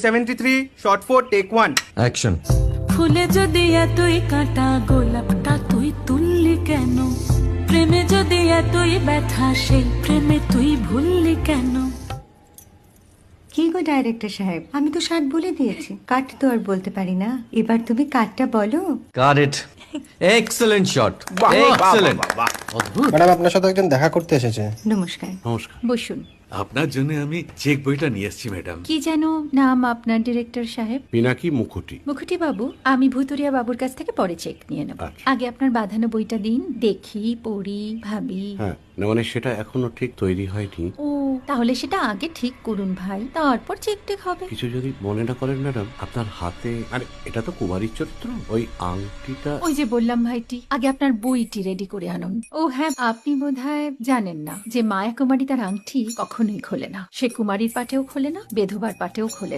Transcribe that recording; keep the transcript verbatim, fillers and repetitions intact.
Seventy three shot four take one action. ফুলে যদি এতই কাঁটা গোলাপটা তুই তুললি কেন? প্রেমে যদি এতই ব্যথা সেই প্রেমে তুই ভুললি কেন? কি গো ডাইরেক্টর সাহেব, আমি তো ষাট বলে দিয়েছি, কাট তো আর বলতে পারি না, এবার তুমি কাটটা বলো। Got it. Excellent shot, excellent. Madam আপনার সাথে একজন দেখা করতে এসেছে। নমস্কার। নমস্কার। বসুন। আপনার জন্য আমি চেক বইটা নিয়ে এসেছি ম্যাডাম। কি যেন নাম আপনার ডিরেক্টর সাহেব? পিনাকি মুখোটি। মুখুটি বাবু, আমি ভুতুরিয়া বাবুর কাছ থেকে পরে চেক নিয়ে নেব। আচ্ছা। আগে আপনার বাঁধানো বইটা দিন, দেখি, পড়ি, ভাবি। হ্যাঁ, না মানে সেটা এখনো ঠিক তৈরি হয়নি। ও, তাহলে সেটা আগে ঠিক করুন ভাই, তারপর চেক টেক হবে। কিছু যদি মনে না করেন ম্যাডাম, আপনার হাতে, আরে এটা তো কুমারীর চরিত্র, ওই আংটিটা। ওই যে বললাম ভাইটি, আগে আপনার বইটি রেডি করে আনুন। ও হ্যাঁ, আপনি বোধহয় জানেন না যে মায়া কুমারী তার আংটি কখনোই খোলে না। সে কুমারীর পাটেও খোলে না, বেধবার পাটেও খোলে না।